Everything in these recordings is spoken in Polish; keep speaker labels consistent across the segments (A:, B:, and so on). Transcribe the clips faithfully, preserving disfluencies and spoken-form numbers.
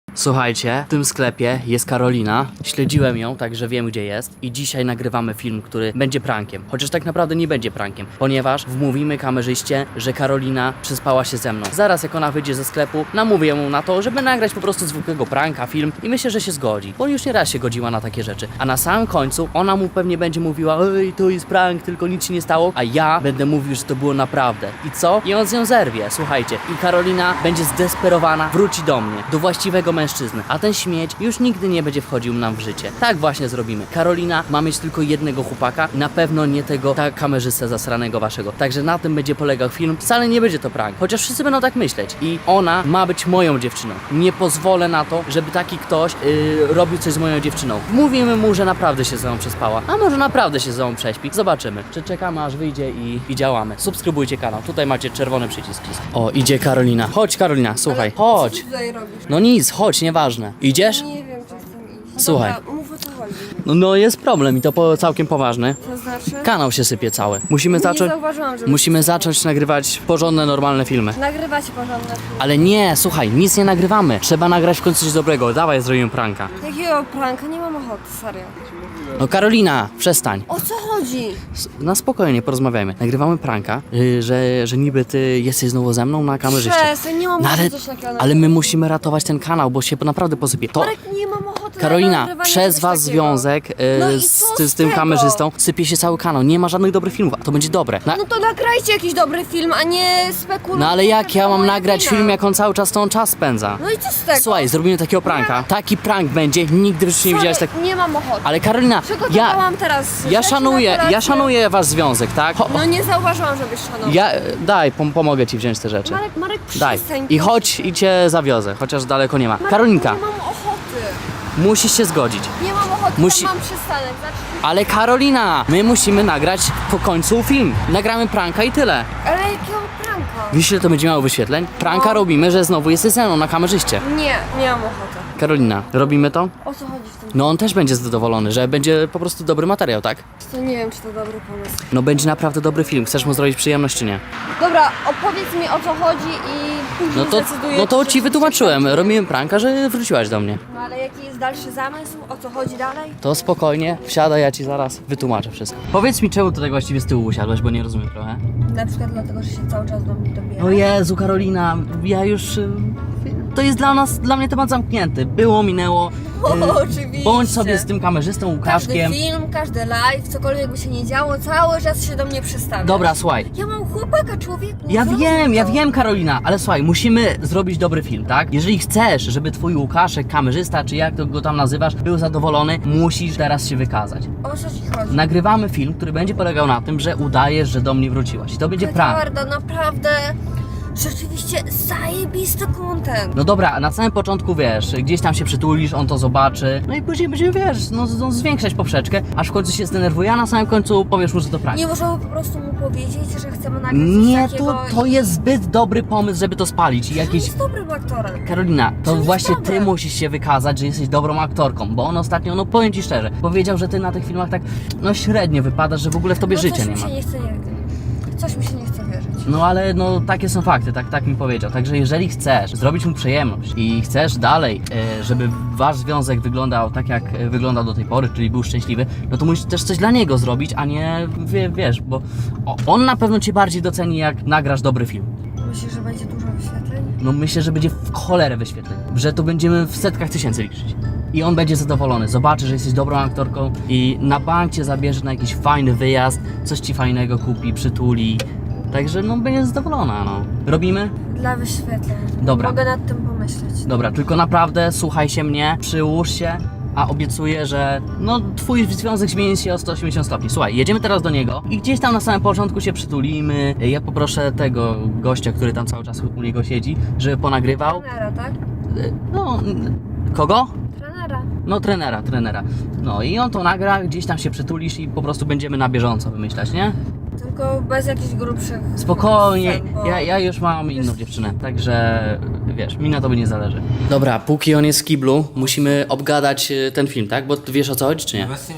A: Słuchajcie, w tym sklepie jest Karolina. Śledziłem ją, także wiem gdzie jest. I dzisiaj nagrywamy film, który będzie prankiem. Chociaż tak naprawdę nie będzie prankiem, ponieważ wmówimy kamerzyście, że Karolina przespała się ze mną. Zaraz jak ona wyjdzie ze sklepu, namówię mu na to, żeby nagrać po prostu zwykłego pranka, film i myślę, że się zgodzi. Bo już nie raz się godziła na takie rzeczy. A na samym końcu ona mu pewnie będzie mówiła: ej, to jest prank, tylko nic się nie stało. A ja będę mówił, że to było naprawdę. I co? I on z nią zerwie, słuchajcie. I Karolina będzie zdesperowana, wróci do mnie, do właściwego mężczyzny. A ten śmieć już nigdy nie będzie wchodził nam w życie. Tak właśnie zrobimy. Karolina ma mieć tylko jednego chłopaka i na pewno nie tego tak kamerzystę zasranego waszego. Także na tym będzie polegał film. Wcale nie będzie to prank, chociaż wszyscy będą tak myśleć. I ona ma być moją dziewczyną. Nie pozwolę na to, żeby taki ktoś yy, robił coś z moją dziewczyną. Mówimy mu, że naprawdę się ze mną przespała. A może naprawdę się ze mną prześpi. Zobaczymy. Czy czekamy aż wyjdzie i, i działamy. Subskrybujcie kanał. Tutaj macie czerwony przycisk. O, idzie Karolina. Chodź Karolina, słuchaj. Chodź.
B: Co ty tutaj robisz?
A: No nic, chodź, nieważne. Idziesz?
B: Nie wiem, czy chcę iść.
A: Słuchaj.
B: Dobra, mów o co chodzi.
A: No, no jest problem i to po, całkiem poważny.
B: To znaczy?
A: Kanał się sypie cały. Musimy
B: Nie
A: zacząć.
B: zauważyłam, że...
A: Musimy zacząć nagrywać porządne, normalne filmy.
B: Nagrywacie porządne filmy.
A: Ale nie, słuchaj, nic nie nagrywamy. Trzeba nagrać w końcu coś dobrego. Dawaj, zrobimy pranka.
B: Jakiego pranka? Nie mam ochoty, serio.
A: No Karolina, przestań.
B: O co chodzi?
A: S- Na spokojnie porozmawiajmy. Nagrywamy pranka, yy, że, że niby ty jesteś znowu ze mną na kamerzyście.
B: Przestań, nie mam
A: No ale,
B: ochoty coś takiego.
A: ale my musimy ratować ten kanał, bo się naprawdę posypie. To
B: Marek, nie mam ochoty na
A: Karolina,
B: nagrywanie
A: przez
B: czegoś
A: was
B: takiego.
A: związek yy,
B: No i
A: z,
B: co
A: ty-
B: z
A: z tym
B: tego?
A: kamerzystą sypie się cały kanał. Nie ma żadnych dobrych filmów, a to będzie dobre. Na,
B: No to nagrajcie jakiś dobry film, a nie spekulujcie.
A: no ale jak ja mam
B: moja
A: nagrać
B: wina.
A: film, jak on cały czas tą czas spędza?
B: No i co z tego?
A: Słuchaj, zrobimy takiego pranka. Taki prank będzie, nigdy w życiu nie
B: Sorry,
A: widziałeś tak.
B: nie mam ochoty.
A: Ale Karolina, ja,
B: Przygotowałam teraz
A: ja
B: rzeczy
A: szanuję,
B: na kolację.
A: ja szanuję wasz związek, tak? Ho,
B: No nie zauważyłam, żebyś szanował.
A: ja, daj, pom pomogę ci wziąć te rzeczy.
B: Marek, Marek,
A: Daj.
B: przestań.
A: I chodź i cię zawiozę, chociaż daleko nie ma.
B: Marek,
A: Karolinka,
B: Nie mam ochoty.
A: musisz się zgodzić.
B: Nie mam ochoty,
A: Musi-
B: tam mam przystanek. Znaczy...
A: Ale Karolina, my musimy nagrać po końcu film. Nagramy pranka i tyle.
B: Ale jakiego pranka?
A: Wiesz, ile to będzie miało wyświetleń? Pranka
B: No.
A: robimy, że znowu jesteś ze mną na kamerzyście.
B: Nie, nie mam ochoty.
A: Karolina, robimy to?
B: O co chodzi w tym?
A: No on też będzie zadowolony, że będzie po prostu dobry materiał, tak?
B: To nie wiem, czy to dobry pomysł.
A: No będzie naprawdę dobry film. Chcesz mu zrobić przyjemność czy nie?
B: Dobra, opowiedz mi o co chodzi i później
A: No to,
B: zdecyduję,
A: no to
B: czy
A: ci
B: coś
A: wytłumaczyłem.
B: się
A: Robiłem pranka, że wróciłaś do mnie.
B: No ale jaki jest dalszy zamysł? O co chodzi dalej?
A: To spokojnie, wsiadaj, ja ci zaraz wytłumaczę wszystko. Powiedz mi, czemu tutaj właściwie z tyłu usiadłeś, bo nie rozumiem trochę.
B: Na przykład dlatego, że się cały czas do mnie dobiera.
A: O Jezu, Karolina, ja już... y, To jest dla nas, dla mnie temat zamknięty. Było, minęło.
B: O,
A: y,
B: oczywiście.
A: Bądź sobie z tym kamerzystą,
B: Każdy
A: Łukaszkiem.
B: film, każdy live, cokolwiek by się nie działo, cały czas się do mnie przestawia.
A: Dobra, słuchaj.
B: Ja mam chłopaka, człowieku.
A: Ja
B: zrozum
A: wiem, ja
B: to.
A: wiem, Karolina, ale słuchaj, musimy zrobić dobry film, tak? Jeżeli chcesz, żeby twój Łukaszek, kamerzysta, czy jak to go tam nazywasz, był zadowolony, musisz teraz się wykazać.
B: O co ci chodzi?
A: Nagrywamy film, który będzie polegał na tym, że udajesz, że do mnie wróciłaś. I to będzie prank.
B: Eduardo, naprawdę, rzeczywiście zajebisty content.
A: No dobra, na samym początku wiesz, gdzieś tam się przytulisz, on to zobaczy, no i później będziemy, wiesz, no, no zwiększać poprzeczkę, aż w końcu się zdenerwuje, a na samym końcu powiesz mu, że to prank.
B: Nie możemy po prostu mu powiedzieć, że chcemy nagrać coś
A: Nie,
B: takiego
A: to, to
B: i...
A: jest zbyt dobry pomysł, żeby to spalić i
B: On
A: jakieś...
B: jest dobrym aktorem.
A: Karolina, to
B: jest
A: właśnie ty
B: dobre.
A: musisz się wykazać, że jesteś dobrą aktorką, bo on ostatnio, no powiem ci szczerze, powiedział, że ty na tych filmach tak, no średnio wypadasz, że w ogóle w tobie
B: No
A: życia
B: coś
A: nie
B: mi
A: ma.
B: się nie chce, nie Coś mi się nie chce wierzyć.
A: No ale no takie są fakty, tak, tak mi powiedział. Także jeżeli chcesz zrobić mu przyjemność i chcesz dalej, e, żeby wasz związek wyglądał tak jak e, wyglądał do tej pory, czyli był szczęśliwy, no to musisz też coś dla niego zrobić, a nie wie, wiesz, bo o, on na pewno cię bardziej doceni, jak nagrasz dobry film.
B: Myślisz, że będzie dużo wyświetleń?
A: No myślę, że będzie w cholerę wyświetleń, że to będziemy w setkach tysięcy liczyć. I on będzie zadowolony, zobaczy, że jesteś dobrą aktorką i na bank cię zabierze na jakiś fajny wyjazd, coś ci fajnego kupi, przytuli. Także no będzie zadowolona, no. Robimy?
B: Dla wyświetleń.
A: Dobra.
B: Mogę nad tym pomyśleć.
A: Dobra, tylko naprawdę słuchaj się mnie, przyłóż się, a obiecuję, że no twój związek zmieni się o sto osiemdziesiąt stopni. Słuchaj, jedziemy teraz do niego i gdzieś tam na samym początku się przytulimy. Ja poproszę tego gościa, który tam cały czas u niego siedzi, żeby ponagrywał.
B: Trenera, tak?
A: No, kogo?
B: Trenera.
A: No trenera, trenera. No i on to nagra, gdzieś tam się przytulisz i po prostu będziemy na bieżąco wymyślać, nie?
B: Tylko bez jakichś grubszych...
A: Spokojnie,
B: scen, bo-
A: ja, ja już mam inną dziewczynę, także wiesz, mi na tobie nie zależy. Dobra, póki on jest w kiblu, musimy obgadać y, ten film, tak? Bo ty wiesz o co chodzi, czy nie?
C: Właśnie nie wiem. Nie?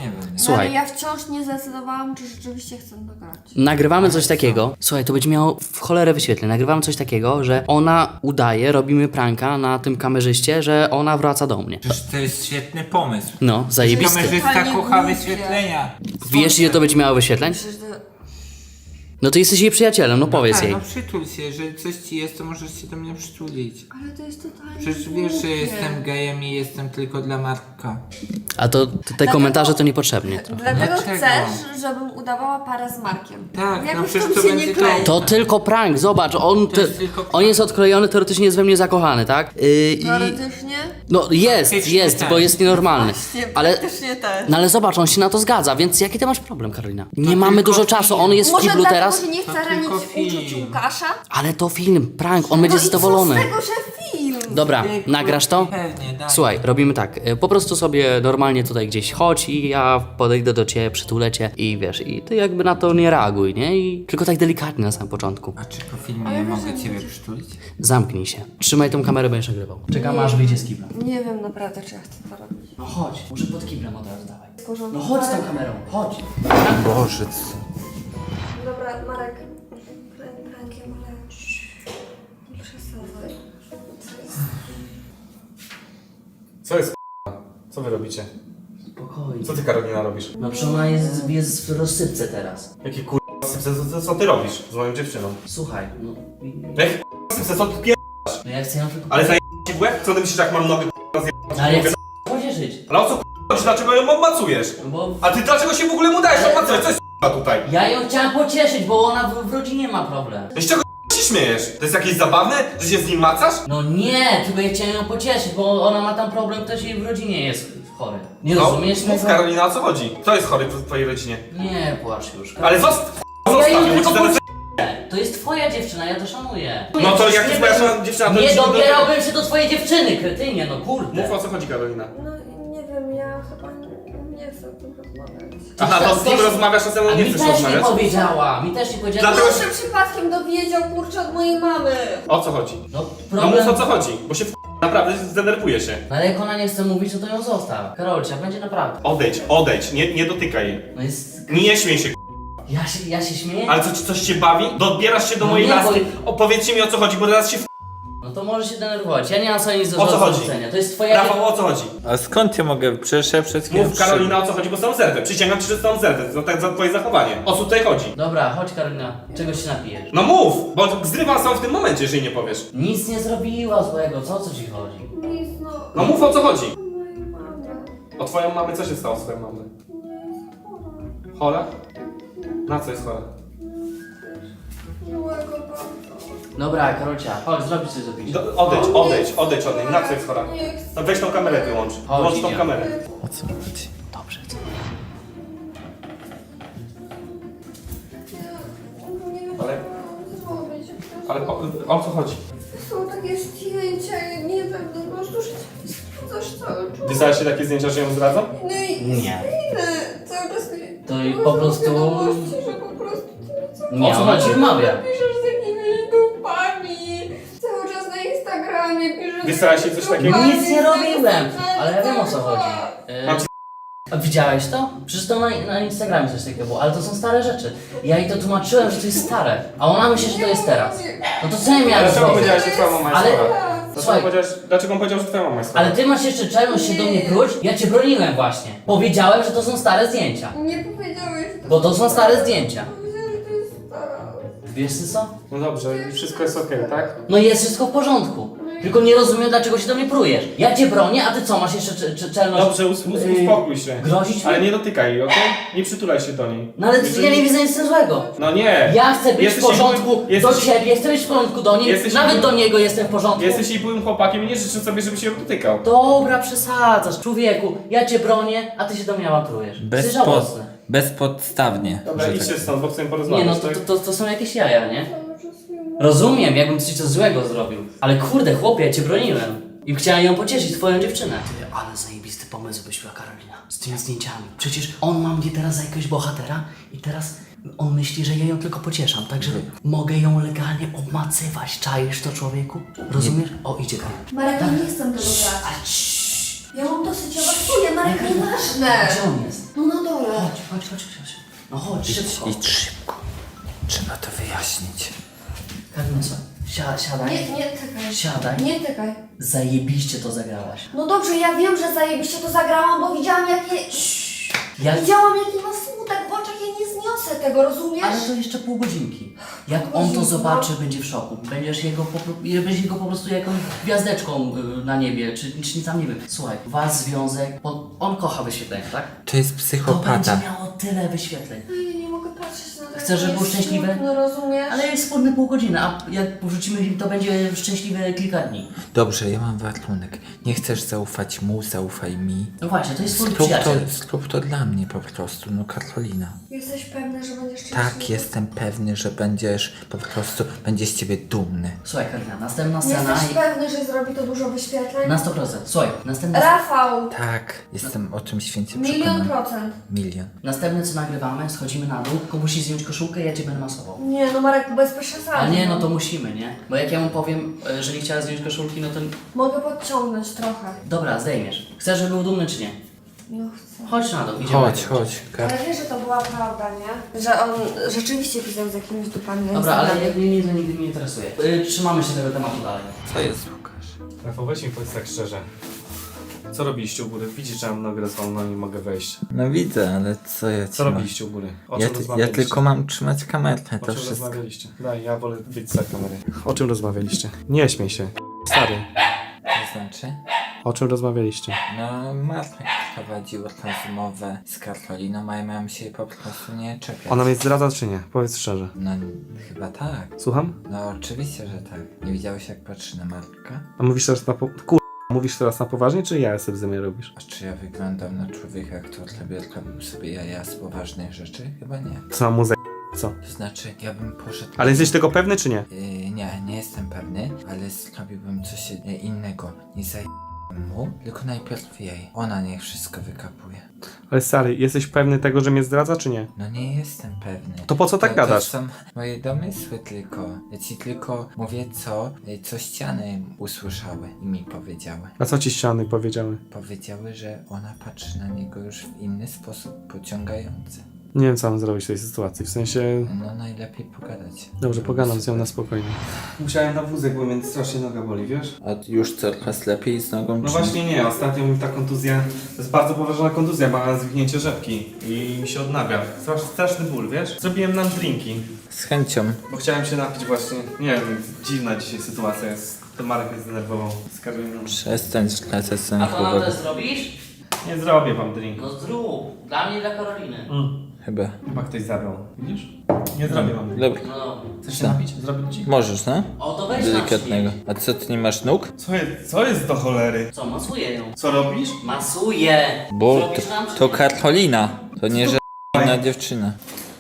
A: Słuchaj.
B: Ale ja wciąż nie zdecydowałam, czy rzeczywiście chcę nagrać.
A: Nagrywamy coś takiego. Słuchaj, to będzie miało w cholerę wyświetleń. Nagrywamy coś takiego, że ona udaje, robimy pranka na tym kamerzyście, że ona wraca do mnie.
C: Przecież to jest świetny pomysł.
A: No, zajebisty.
C: Kamerzysta
B: Totalnie
C: kocha
B: głupie.
C: wyświetlenia.
A: Wiesz, ile to będzie miało wyświetleń?
B: Przecież to...
A: No to jesteś jej przyjacielem, no powiedz
C: Tak,
A: jej.
C: no przytul się, że coś ci jest, to możesz się do mnie przytulić.
B: Ale to jest totalnie
C: Przecież wiesz, że
B: głupie.
C: jestem gejem i jestem tylko dla Marka.
A: A to, to te
B: Dlatego-
A: komentarze to niepotrzebnie. trochę.
B: Dlatego
C: Dlaczego?
B: chcesz, żebym udawała parę z Markiem.
C: Tak, no
B: Jakoś
C: przecież
B: to
C: to
B: mi się
C: będzie
B: nie
C: to-
B: klei.
A: To tylko prank, zobacz, on,
C: To
A: te,
C: jest tylko prank.
A: on jest odklejony, teoretycznie jest we mnie zakochany, tak? Yy, i,
B: Teoretycznie?
A: no jest,
C: Praktycznie
A: jest,
C: tak.
A: bo jest nienormalny.
B: Właśnie,
A: Ale,
B: praktycznie też.
A: no ale zobacz, on się na to zgadza, więc jaki ty masz problem, Karolina? Nie mamy
C: tylko
A: dużo czasu, on jest w
B: Może
A: kiblu
B: dlatego,
A: teraz,
B: że nie
C: To
B: chce ranić
C: tylko
B: uczuć
C: film.
B: Łukasza?
A: ale to film, prank, on będzie
B: No i
A: zadowolony.
B: co z tego, że film?
A: Dobra,
C: Ej,
A: nagrasz to?
C: Pewnie, daj.
A: Słuchaj, robimy tak, y, po prostu sobie normalnie tutaj gdzieś chodź i ja podejdę do ciebie, przytulę cię i wiesz, i ty jakby na to nie reaguj, nie? I tylko tak delikatnie na samym początku.
C: A czy po filmie ja mogę ciebie przytulić?
A: Zamknij się. Trzymaj tą kamerę, będziesz nagrywał. Czekam aż wyjdzie z kibla.
B: Nie wiem naprawdę, czy ja chcę to robić.
A: No chodź, może pod kiblem od razu dawaj.
B: W porządku.
A: No chodź z tą
B: Marek-
A: kamerą, chodź.
C: Boże,
B: Dobra, Marek. Prank- Prankiem, ale... Nie przesadzaj. Co jest?
D: Co jest k***a? Co wy robicie?
A: Spokojnie.
D: Co ty, Karolina, robisz?
A: No przecież ona jest, jest w rozsypce teraz.
D: Jakie k***a sypce? Co, co, co ty robisz z moją dziewczyną?
A: Słuchaj, no...
D: Jakie k***a sypce? Co ty pier...
A: No ja chcę ją tylko...
D: Ale zaj... ci w łeb? Co ty myślisz, jak mam nogę k***a zjebać?
A: No, ale ja chcę pocieszyć.
D: Ale o co k***a chodzi? Dlaczego ją obmacujesz?
A: No bo...
D: A ty dlaczego się w ogóle mu dajesz
A: Ale-
D: obmacywać? Co jest k***a tutaj?
A: Ja ją chciałam pocieszyć, bo ona w, w rodzinie ma problem.
D: No z czego k***a się śmiejesz? To jest jakieś zabawne? Że się z nim macasz?
A: No nie, tylko ja chciałem ją pocieszyć, bo ona ma tam problem, ktoś jej w rodzinie jest chory. Nie
D: No,
A: rozumiesz
D: mów,
A: tego?
D: Karolina, o co chodzi? Kto jest chory w twojej rodzinie?
A: Nie płacz już.
D: Ale zostaw,
A: Ja
D: zostaw
A: ją
D: ją, bo
A: tylko
D: ci zaraz...
A: pocieszyć. To jest twoja dziewczyna, ja to szanuję.
D: No to jak
A: Nie
D: jest moja
A: bym-
D: żona- dziewczyna, to
A: Nie
D: ci nie
A: dobierałbym się do twojej dziewczyny, kretynie, no kurde.
D: Mów, o co chodzi, Karolina.
B: No nie wiem, ja chyba nie, nie chcę o tym rozmawiać.
D: Aha, to z nim rozmawiasz, a ze mną
A: A
D: nie
A: mi
D: chcesz
A: też nie
D: rozmawiać?
A: powiedziała, mi też nie powiedziała.
D: Dlatego-
B: Może przypadkiem dowiedział kurczę od mojej mamy.
D: O co chodzi?
A: No
D: No
A: problem...
D: mów, o co chodzi, bo się w... naprawdę zdenerwuje się.
A: No ale jak ona nie chce mówić, to to ją zostaw. Karolcia, będzie naprawdę.
D: Odejdź, odejdź, nie, nie dotykaj jej.
A: No jest...
D: Nie śmiej się,
A: Ja się, ja się śmieję?
D: ale co, ci- coś cię bawi? Dobierasz się do
A: No
D: mojej
A: nie,
D: laski.
A: bo-
D: Opowiedzcie mi, o co chodzi, bo teraz się w...
A: No to może się denerwować. Ja nie mam sobie nic do
D: O co chodzi?
A: zarzucenia. To jest twoja...
D: Rafał, o co chodzi?
C: A skąd ja mogę? Przecież ja przed chwilą...
D: Mów, Karolina, o co chodzi, bo są zerwę. Przysięgam ci, że są zerwę za, za twoje zachowanie. O co tutaj chodzi?
A: Dobra, chodź Karolina, czegoś się napijesz.
D: No mów, bo zrywam sam w tym momencie, jeżeli nie powiesz.
A: Nic nie zrobiła złego, co o co ci chodzi?
B: Nic, no.
D: No mów, o co chodzi.
B: O mojej mamie.
D: O twoją mamę, co się stało z twoją mamą?
B: Nie jest chora.
D: Chora? Na co jest chora?
B: Miłego bardzo.
A: Dobra, Karolcia, chodź, zrobić coś do picia.
D: Do, odejdź, odejdź, odejdź od niej. Na co jest chora?
B: Nie chcę.
D: No weź tą kamerę wyłącz.
A: Chodź,
D: Włącz tą
A: idziemy.
D: kamerę.
C: O co chodzi?
A: Dobrze, co?
B: Ja nie wiem,
D: Ale-
B: co mam zrobić.
D: Ale o, o co chodzi?
B: Są takie zdjęcia i nie wiem, no po prostu, że sprawdzasz cały czas.
D: Wysłałeś się takie zdjęcia, że ją zdradzam?
B: No i
A: Nie.
B: inne. Cały czas mi...
A: To i
B: masz
A: po prostu-
B: wiadomości, że po prostu ty co
A: Nie,
D: O co
A: ona
D: chodzi?
A: ci wmawia.
B: piszesz z jakimiś dupami. Cały czas na Instagramie piszesz...
D: Wysłałaś
B: z
D: jej coś
B: jakimiś
D: takiego?
A: Nic nie robiłem, ale ja wiem o co
B: Cały
A: chodzi.
B: czas.
A: Yy,
D: Mam ci-
A: a widziałeś to? Przecież to na, na Instagramie coś takiego było, ale to są stare rzeczy. Ja jej to tłumaczyłem, że to jest stare, a ona myśli, że to jest teraz. No to co ja miałem
D: Dlaczego
A: zrobić?
D: powiedziałeś, że twoja mama jest
A: Ale-
D: chora? Dlaczego,
A: Słuchaj.
D: powiedziałeś, dlaczego on powiedział, że twoja mama jest chora?
A: Ale ty masz jeszcze czelność się do mnie pruć? Ja cię broniłem właśnie. Powiedziałem, że to są stare zdjęcia.
B: Nie powiedziałeś...
A: Bo to są stare zdjęcia.
B: Powiedziałeś, że to jest stara.
A: Wiesz ty co?
D: No dobrze, i wszystko jest okej, tak?
A: No jest wszystko w porządku. Tylko nie rozumiem, dlaczego się do mnie prujesz. Ja cię bronię, a ty co, masz jeszcze cze- cze- czelność...
D: Dobrze, us us
A: yy,
D: uspokój się.
A: grozić mi?
D: Ale nie dotykaj jej, okej? Nie przytulaj się do niej.
A: No ale
D: Jeżeli-
A: ja nie widzę nic z tym złego.
D: No nie!
A: Ja chcę być w
D: Jesteś jej
A: porządku
D: byłym-
A: do
D: jesteś-
A: ciebie, chcę być w porządku do niej,
D: Jesteś
A: nawet
D: jej-
A: do niego jestem w porządku.
D: Jesteś jej byłym chłopakiem i nie życzę sobie, żeby się ją dotykał.
A: Dobra, przesadzasz, człowieku. Ja cię bronię, a ty się do mnie awanturujesz. Jesteś
C: Bez
A: żałosny.
C: bezpodstawnie.
D: Dobra,
C: że
D: idźcie
C: tak-
D: stąd, bo chcę
A: Nie
D: porozmawiać,
A: no, to,
D: tak?
A: to, to, to są jakieś jaja, nie?
B: Cały czas mi mówi.
A: Rozumiem, jakbym ci coś złego zrobił. Ale kurde, chłopie, ja cię broniłem. I chciałem ją pocieszyć, twoją dziewczynę. Ty, ale zajebisty pomysł wyświła Karolina. Z tymi zdjęciami. Przecież on ma mnie teraz za jakiegoś bohatera i teraz on myśli, że ja ją tylko pocieszam. Także mogę ją legalnie obmacywać. Czaisz to, człowieku? Rozumiesz? O, idzie Karolina.
B: Marek, ja nie chcę tego grać.
A: Ale ciii.
B: Ja mam dosyć awantuję, Marek, nieważne.
A: Gdzie on jest?
B: No na dole.
A: Chodź, chodź, chodź, chodź. No chodź, szybko.
C: Idź szybko. Trzeba to wyjaśnić.
A: Karolina, słuchaj, si siadaj.
B: Nie, nie tykaj.
A: Siadaj.
B: Nie tykaj.
A: Zajebiście to zagrałaś.
B: No dobrze, ja wiem, że zajebiście to zagrałam, bo widziałam jakie...
A: Ja...
B: Widziałam jaki ma smutek w oczach, ja nie zniosę tego, rozumiesz?
A: Ale to jeszcze pół godzinki. Jak
B: Pół
A: on to
B: godzinki,
A: zobaczy,
B: no.
A: będzie w szoku. Będziesz jego po, pro- będziesz jego po prostu jakąś gwiazdeczką y, na niebie, czy, czy tam nie wiem. Słuchaj, wasz związek, bo on kocha wyświetlenia, tak?
C: To jest
A: To
C: psychopata.
A: będzie miało tyle wyświetleń.
B: No ja nie mogę patrzeć na to.
A: Chcesz, żeby był szczęśliwy?
B: No rozumiesz?
A: Ale jest wspólny pół godziny, a jak wrzucimy film, to będzie szczęśliwe kilka dni.
C: Dobrze, ja mam warunek. Nie chcesz zaufać mu, zaufaj mi.
A: No właśnie, to jest twój
C: Zrób to,
A: przyjaciel.
C: zrób to dla mnie po prostu, no Karolina.
B: Jesteś pewny, że będziesz szczęśliwy?
C: Tak, jestem pewny, że będziesz po prostu, będzie z ciebie dumny.
A: Słuchaj, Karolina, następna scena
B: Jesteś
A: i...
B: pewny, że zrobi to dużo wyświetleń?
A: Na sto procent. Słuchaj, następna scena...
B: Rafał!
C: Tak, jestem o tym święcie
B: Milion
C: przekonany.
B: procent.
C: Milion.
A: Następne co nagrywamy, schodzimy na dół, tylko musisz zdjąć koszulkę i ja cię będę masował.
B: Nie, no Marek, bez przesady.
A: Ale nie, no to musimy, nie? Bo jak ja mu powiem, e, że nie chciała zdjąć koszulki, no to...
B: Mogę podciągnąć trochę.
A: Dobra, zdejmiesz. Chcesz, żeby był dumny, czy nie?
B: Nie chcę.
A: Chodź na dół, idziemy.
C: Chodź, chodź, Kar...
B: Ale wiesz, że to była prawda, nie? Że on rzeczywiście pisał z jakimiś dupami na
A: Dobra, ale
B: Instagramie.
A: mnie nie, to nigdy mnie nie interesuje. Y, trzymamy się tego tematu dalej.
C: Co jest, Łukasz?
D: Rafał, weź mi powiedz tak szczerze. Co robiliście u góry? Widzisz, że mam nogę rozwaloną, nie mogę wejść.
C: No widzę, ale co ja ci
D: Co
C: mam?
D: robiliście u góry? O
C: Ja,
D: czym
C: ty, ja
D: rozmawialiście?
C: tylko mam trzymać kamerę,
D: O
C: to
D: czym
C: wszystko.
D: rozmawialiście? Daj, ja wolę być za kamery. O czym rozmawialiście? Nie śmiej się. Stary.
C: To znaczy?
D: O czym rozmawialiście?
C: No, Marek prowadził rozmowę z Karoliną, a ja miałem się jej po prostu nie czepiać.
D: Ona mnie zdradza czy nie? Powiedz szczerze.
C: No, chyba tak.
D: Słucham?
C: No, oczywiście, że tak. Nie widziałeś, jak patrzy na Marka?
D: A mówisz teraz na po... Kur... Mówisz teraz na poważnie, czy ja sobie ze mnie robisz?
C: A czy ja wyglądam na człowieka, który sobie robił sobie jaja z poważnych rzeczy? Chyba nie.
D: Co mam mu za... Co?
C: To znaczy, ja bym poszedł...
D: Ale jesteś tego pewny, czy nie?
C: Yy, nie, nie jestem pewny, ale zrobiłbym coś yy, innego. Nie zaj... mu, tylko najpierw jej. Ona niech wszystko wykapuje.
D: Ale stary, jesteś pewny tego, że mnie zdradza, czy nie?
C: No nie jestem pewny.
D: To po co tak
C: to,
D: gadasz?
C: To są moje domysły tylko. Ja ci tylko mówię co, yy, co ściany usłyszały i mi powiedziały.
D: A co ci ściany powiedziały?
C: Powiedziały, że ona patrzy na niego już w inny sposób, pociągający.
D: Nie wiem, co mam zrobić w tej sytuacji, w sensie...
C: No najlepiej pogadać.
D: Dobrze, pogadam z nią na spokojnie. Musiałem na wózek, bo mnie strasznie noga boli, wiesz?
C: A już coraz lepiej z nogą?
D: No
C: czy-
D: właśnie nie, ostatnio mi ta kontuzja, to jest bardzo poważna kontuzja, ma zwinięcie rzepki i mi się odnawia. Straszny, straszny ból, wiesz? Zrobiłem nam drinki,
C: Z chęcią.
D: bo chciałem się napić właśnie, nie wiem, dziwna dzisiaj sytuacja jest. To Marek mnie zdenerwował z Karoliną.
C: Przestań zwracać
A: A
C: sobie
A: to nam
C: uwagę.
A: też zrobisz?
D: Nie zrobię wam drinku.
A: No zrób. Dla mnie i dla Karoliny.
D: Mm.
C: Chyba.
D: Chyba ktoś zabrał, widzisz? Nie zrobię wam drinku.
C: Dobra.
A: No.
D: Chcesz się napić? Zrobię ci?
C: Możesz, no?
A: O, to weź
C: Delikatnego.
A: napij.
C: A co, ty nie masz nóg?
D: Co jest, co jest do cholery?
A: Co, masuję ją.
D: Co robisz?
A: Masuję.
C: Bo
A: Zrobisz nam,
C: to,
A: czy
C: to
A: nie?
C: Karolina. To nie, że inna dziewczyna.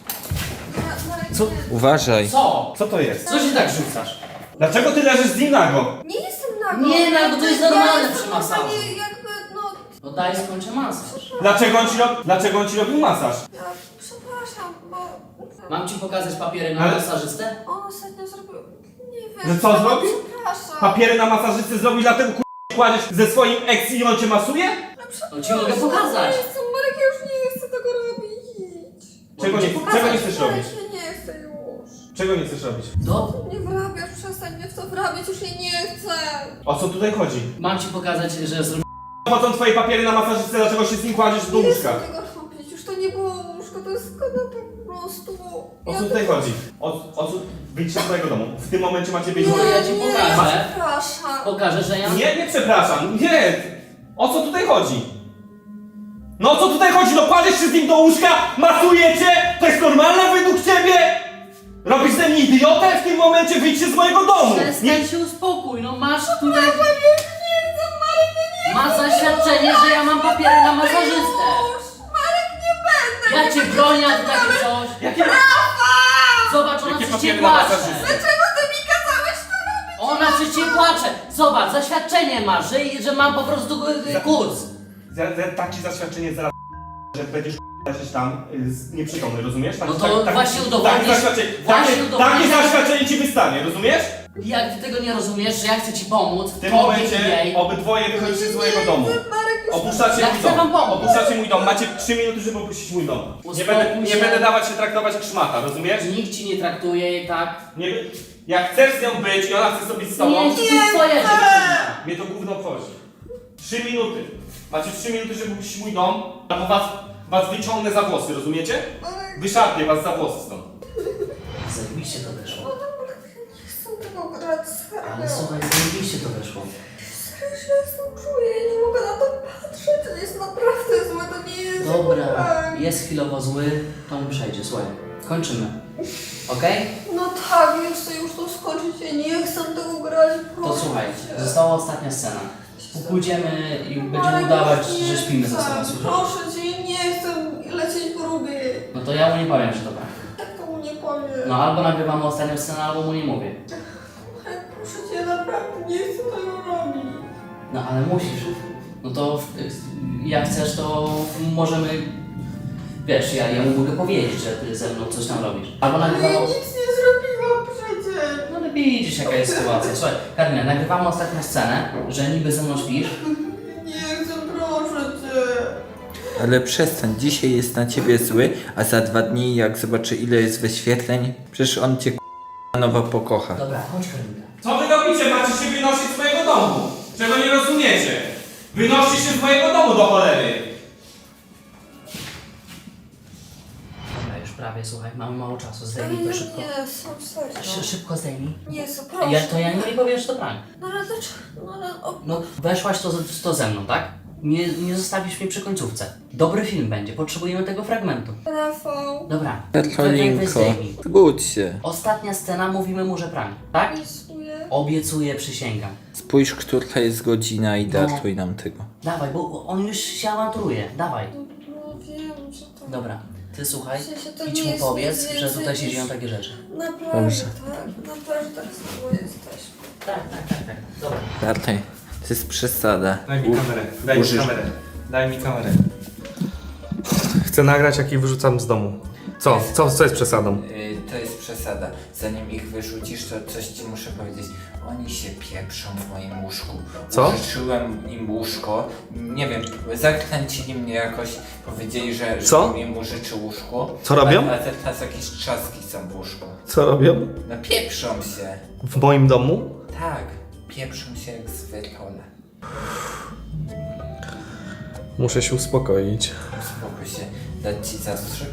D: Co?
C: Uważaj.
A: Co?
D: Co to jest?
A: Co się tak rzucasz?
D: Dlaczego ty leżysz z nim nago?
B: Nie jestem nago.
A: Nie, nago, to jest
B: Ja
A: normalne
B: jestem
A: przy masażu.
B: normalnie jakby, no...
A: No daj skończę masaż.
D: Dlaczego on ci, rob... Dlaczego on ci robił masaż?
B: Ja przepraszam, bo...
A: Mam ci pokazać papiery na
D: Ale-
A: masażystę?
B: On ostatnio zrobił... Nie wiem...
D: Że co zrobił?
B: Przepraszam.
D: Papiery na masażystę zrobił, dlatego k***, kładziesz ze swoim ex i on cię masuje?
A: No ci mogę pokazać.
B: Nie chcę, Marek, ja już nie chcę tego robić.
D: Czego nie,
A: pokazać.
D: czego nie chcesz robić?
B: Marek, ja nie chcę już.
D: Czego nie chcesz robić?
A: Do...
B: Nie wrabiasz, przestań mnie w to wrabiać, już jej nie chcę.
D: O co tutaj chodzi?
A: Mam ci pokazać, że zrobię...
D: Chodzą twoje papiery na masażystę, dlaczego się z nim kładziesz do
B: Nie
D: łóżka?
B: chcę tego robić, już to nie było łóżko, to jest kanapa po prostu.
D: O
B: Ja
D: co tutaj chodzi? O, o co? Wyjdźcie z twojego domu. W tym momencie macie wyjść z
A: Nie.
D: mojego
A: ja ci
B: nie,
A: pokażę.
B: przepraszam.
A: Pokażę, że ja...
D: Nie, nie przepraszam, nie! O co tutaj chodzi? No o co tutaj chodzi? No kładziesz się z nim do łóżka, masujecie? To jest normalne według ciebie? Robisz ze mnie idiotę? W tym momencie wyjdźcie z mojego domu! Nie,
A: Przestań się uspokój, no masz tutaj... Masz zaświadczenie, że ja mam papiery na masażystę.
B: Marek, nie będę.
A: Ja cię bronię, a ty takie coś.
D: jakie,
A: Zobacz, ona
D: jakie
A: przecież cię
D: papiery na
A: płacze.
D: masażystę?
B: Dlaczego ty mi kazałeś to robić?
A: Ona przecież cię płacze. Zobacz, zaświadczenie masz, że, że mam po prostu y, y, kurs.
D: Za, za, takie zaświadczenie zaraz, że będziesz leżeć tam y, z- nieprzytomny, rozumiesz? Tak,
A: No to właśnie udowodnisz-
D: Takie zaświadczenie,
A: właśnie
D: takie,
A: udowodnisz-
D: takie zaświadczenie ci wystanie, rozumiesz?
A: Jak ty tego nie rozumiesz, że ja chcę ci pomóc,
D: W tym
A: tobie i
D: momencie
A: jej.
D: obydwoje wychodzicie z mojego domu.
B: Marek,
D: Opuszczacie
A: Ja
D: mój
A: chcę
D: dom.
A: wam pomóc.
D: Opuszczacie mój dom. Macie trzy minuty, żeby opuścić mój dom. Nie
A: Uspokój
D: będę, nie
A: się.
D: będę dawać się traktować jak szmata, rozumiesz?
A: Nikt ci nie traktuje tak.
D: Nie, jak chcesz z nią być i ona chce sobie z tobą,
A: Nie, to jest twoja dziewczyna.
D: mnie to gówno obchodzi. Trzy minuty. Macie trzy minuty, żeby opuścić mój dom, albo was, was wyciągnę za włosy, rozumiecie? Wyszarpię was za włosy stąd.
A: Zajebiście to wyszło.
B: Nie chcę tego grać,
A: Ale
B: serio.
A: słuchaj, zajebiście to wyszło.
B: Serio się jestem czuję, ja nie mogę na to patrzeć, to jest naprawdę złe, to nie jest
A: Dobra,
B: złe.
A: jest chwilowo zły, to mu przejdzie, słuchaj. Kończymy. Okej?
B: No tak, ja chcę już to skończyć, ja nie chcę tego grać,
A: To
B: proszę
A: słuchaj,
B: cię.
A: została ostatnia scena. Pójdziemy i będziemy
B: Ale
A: udawać,
B: nie
A: że śpimy ze
B: chcę,
A: sobą, słyszysz?
B: Proszę cię, nie chcę lecieć w ruby.
A: No to ja mu nie powiem, że to tak.
B: Tak to mu nie powiem.
A: No albo nagrywamy ostatnią scenę, albo mu nie mówię.
B: Ale proszę cię, naprawdę nie chcę tego robić.
A: No ale musisz. No to w- jak chcesz, to możemy... Wiesz, ja, ja mu mogę powiedzieć, że ty ze mną coś tam robisz. Albo
B: Ale ja
A: nagrywamy...
B: nic nie zrobiłam przecież.
A: No ale widzisz jaka jest sytuacja. Słuchaj, Karolina, nagrywamy ostatnią scenę, że niby ze mną śpisz.
B: Nie chcę, proszę cię.
C: Ale przestań, dzisiaj jest na ciebie zły, a za dwa dni jak zobaczy ile jest wyświetleń, przecież on cię k***a nowo pokocha.
A: Dobra, chodź Karolinka.
D: Co wy robicie? Macie się wynosić z mojego domu. Czego nie rozumiecie? Wynoście się z mojego domu do cholery.
A: Dobra, już prawie, słuchaj, mamy mało czasu,
B: Ale
A: zdejmij
B: ja
A: to szybko.
B: nie chcę, serio.
A: Szy- Szybko zdejmij.
B: Nie chcę, proszę.
A: Ja, to ja nie powiem, że to prank.
B: No ale dlaczego? No ale... O,
A: No, weszłaś to, z- to ze mną, tak? Nie, nie zostawisz mnie przy końcówce. Dobry film będzie, potrzebujemy tego fragmentu.
B: Rafał.
A: Dobra,
C: Karolinko,
A: zdejmij.
C: zgódź się.
A: Ostatnia scena, mówimy mu, że prank, tak?
B: Obiecuję.
A: Obiecuję, przysięgam.
C: Spójrz, która jest godzina i
A: No.
C: datuj nam tego.
A: Dawaj, bo on już się awanturuje, dawaj.
B: No wiem, że to...
A: Dobra, ty słuchaj,
B: W sensie to
A: idź
B: nie
A: mu
B: jest
A: powiedz,
B: nic
A: że
B: więcej
A: tutaj się
B: niż-
A: dzieją takie rzeczy.
B: Naprawdę,
C: Dobrze.
B: tak. Naprawdę tak samo jesteśmy.
A: Tak, tak, tak, tak. Dobra.
C: Datuj, to jest przesada.
D: Daj mi
C: U-
D: kamerę. Daj mi
C: użysz-
D: kamerę. Daj mi kamerę. Chcę nagrać, jak ich wyrzucam z domu. Co? Co, co jest przesadą?
C: Yy, to jest przesada. Zanim ich wyrzucisz, to coś ci muszę powiedzieć. Oni się pieprzą w moim łóżku.
D: Co?
C: Użyczyłem im łóżko. Nie wiem, zakręcili mnie jakoś. Powiedzieli, że, że
D: Co?
C: im użyczy łóżko.
D: Co robią?
C: A, a teraz jakieś trzaski są w łóżku.
D: Co robią?
C: No pieprzą się.
D: W moim domu?
C: Tak, pieprzą się jak zwykle.
D: Muszę się uspokoić.
C: Uspokój się. Dać ci zastrzyk?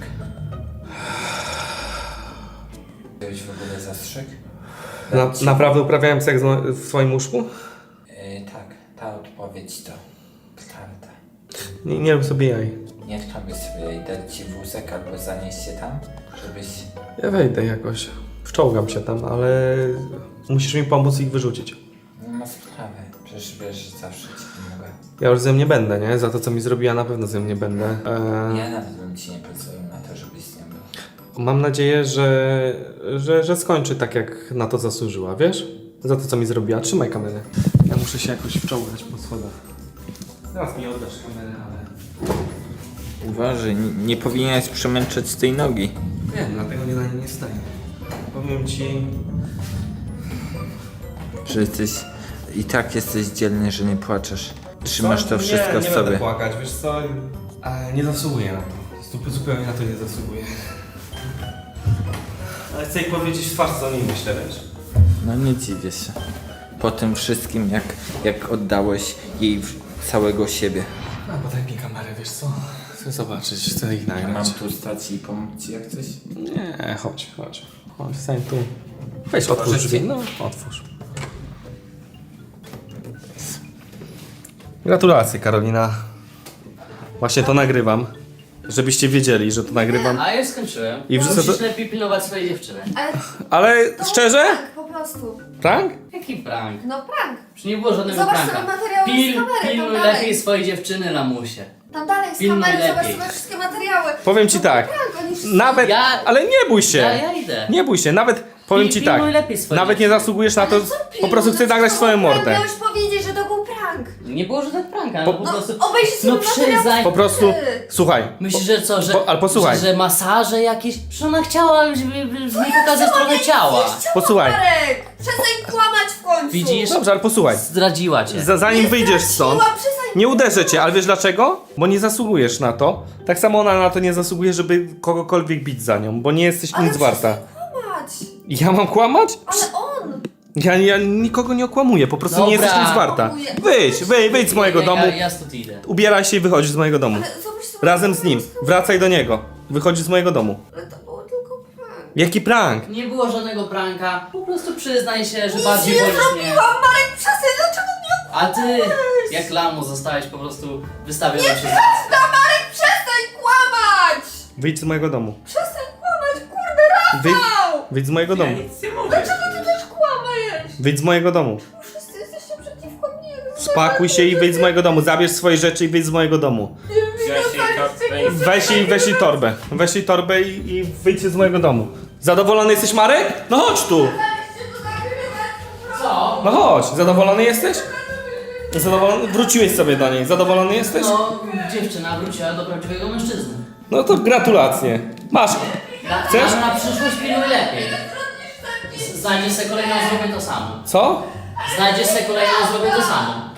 C: Byłeś w ogóle zastrzyk?
D: Na,
C: Dać ci-
D: naprawdę uprawiałem seks w twoim łóżku?
C: Yy, tak, ta odpowiedź to prawda.
D: Nie, nie rób sobie jaj.
C: Nie robię sobie dać ci wózek albo zanieść się tam, żebyś...
D: Ja wejdę jakoś. Wczołgam się tam, ale musisz mi pomóc ich wyrzucić.
C: Nie ma sprawy, przecież wiesz, że zawsze ci pomogę.
D: Ja już z nią nie będę, nie? Za to, co mi zrobiła, na pewno z nią nie będę. Eee,
C: Ja nawet bym ci nie pozwolił na to, żebyś z nią był.
D: mam nadzieję, że, że, że skończy tak, jak na to zasłużyła, wiesz? Za to, co mi zrobiła. Trzymaj kamerę. Ja muszę się jakoś wczołgać po schodach. Teraz mi oddasz kamerę, ale...
C: Uważaj, nie, nie powinieneś przemęczać tej nogi.
D: Wiem, dlatego nie na nie nie wstaję. Powiem ci...
C: Że jesteś... I tak jesteś dzielny, że nie płaczesz. Trzymasz
D: Co?
C: to wszystko
D: nie,
C: w
D: nie
C: sobie.
D: Będę płakać, wiesz co? Ale nie zasługuję na to. Zup- Zupełnie na to nie zasługuję. Ale chcę jej powiedzieć w twarz, co o niej myślę, wiesz?
C: No nie dziwię się. Po tym wszystkim, jak, jak oddałeś jej w- całego siebie.
D: A, bo daj mi kamerę, wiesz co? Chcę zobaczyć, chcę ich
C: Ja
D: nagrać.
C: mam tu stać i pomóc ci jak coś?
D: Nie, chodź, chodź. Chodź, stań tu. Weź, otwórz drzwi. No, otwórz. Gratulacje, Karolina. Właśnie to nagrywam. Żebyście wiedzieli, że to nagrywam.
A: A ja już skończyłem.
D: I wrzucę
A: Musisz
D: to-
A: lepiej pilnować swojej dziewczyny.
B: Ale
D: Ale
B: to
D: szczerze?
B: prank, po prostu.
D: Prank?
A: Jaki prank?
B: No prank.
A: Już nie było żadnego
B: Zobacz
A: pranka.
B: sobie materiały z
A: Pil,
B: kamery, tam
A: pilnuj
B: dalej.
A: lepiej swojej dziewczyny, lamusie.
B: Tam dalej z
A: Pilnuj
B: kamery, zobacz
A: lepiej.
B: sobie wszystkie materiały.
D: Powiem ci
B: To
D: tak.
B: był Prank, oni wszyscy...
D: Nawet,
A: Ja-
D: ale nie bój się.
A: Ja, ja idę.
D: Nie bój się, nawet powiem
A: Pil-
D: ci tak.
A: pilnuj lepiej swojej
D: Nawet nie
A: dziewczyny.
D: zasługujesz na to,
B: Ale co
D: po
B: pilnuj?
D: prostu chcę
B: No
D: nagrać
B: to
D: swoją
B: był prank,
D: mordę.
B: Miałeś powiedzieć, że to był prank.
A: Nie było żadnych pranka,
D: Po-
A: no po
B: No,
A: prostu...
B: obejrzyj sobie
A: No
B: materiał.
A: przyznaj.
D: Po prostu, słuchaj.
A: Myślisz, że co, że,
D: Po- ale posłuchaj.
A: że, że masaże jakieś? Przecież ona chciała żeby, żeby mi pokazać trochę ciała.
D: Posłuchaj.
B: Marek, przestań kłamać w końcu.
A: Widzisz?
D: Dobrze, ale posłuchaj.
A: Zdradziła cię.
D: Za, zanim
B: Nie
D: wyjdziesz
B: zdradziła,
D: stąd.
B: przestań
D: Nie uderzę cię, ale wiesz dlaczego? Bo nie zasługujesz na to. Tak samo ona na to nie zasługuje, żeby kogokolwiek bić za nią, bo nie jesteś
B: Ale
D: nic warta.
B: kłamać.
D: Ja mam kłamać?
B: Ale on!
D: Ja, ja nikogo nie okłamuję, po prostu nie
A: Dobra.
D: jesteś nic warta. Wyjdź, wyjdź, wyjdź z mojego
A: ja,
D: domu.
A: Ja, ja stąd idę.
D: Ubieraj się i wychodź z mojego domu.
B: Ale zobacz sobie...
D: Razem z nim. Wracaj do niego. Wychodź z mojego domu.
B: Ale to było tylko prank.
D: Jaki prank?
A: Nie było żadnego pranka. Po prostu przyznaj się, że
B: Nic
A: bardziej
B: nie
A: wolisz mnie.
B: zrobiłam, Marek, przestań, dlaczego mnie
A: A ty, jak lamus, zostałeś po prostu wystawiony przez...
B: Przestań, Marek, przestań kłamać!
D: Wyjdź z mojego domu.
B: Przestań kłamać, kurde,
D: Wyjdź,
B: Rafał!
D: wyjdź z mojego domu.
A: nic nie mówię.
B: Dlaczego ty też kłamajesz?
D: Wyjdź z mojego domu.
B: Wszyscy jesteście przeciwko mnie.
D: Spakuj się i wyjdź z mojego domu. Zabierz swoje rzeczy i wyjdź z mojego domu. Weź jej, weź jej torbę. Weź jej torbę i, i wyjdźcie z mojego domu. Zadowolony jesteś, Marek? No chodź tu.
A: Co?
D: No chodź. Zadowolony jesteś? Zadowolony? Wróciłeś sobie do niej. Zadowolony jesteś?
A: No, dziewczyna wróciła do prawdziwego mężczyzny.
D: No to gratulacje. Masz.
A: Na,
D: Chcesz?
A: Na, na przyszłość pilnuj lepiej. Z- Znajdziesz sobie kolejną, zrobię to samo.
D: Co?
A: Znajdziesz sobie kolejną, zrobię to samo.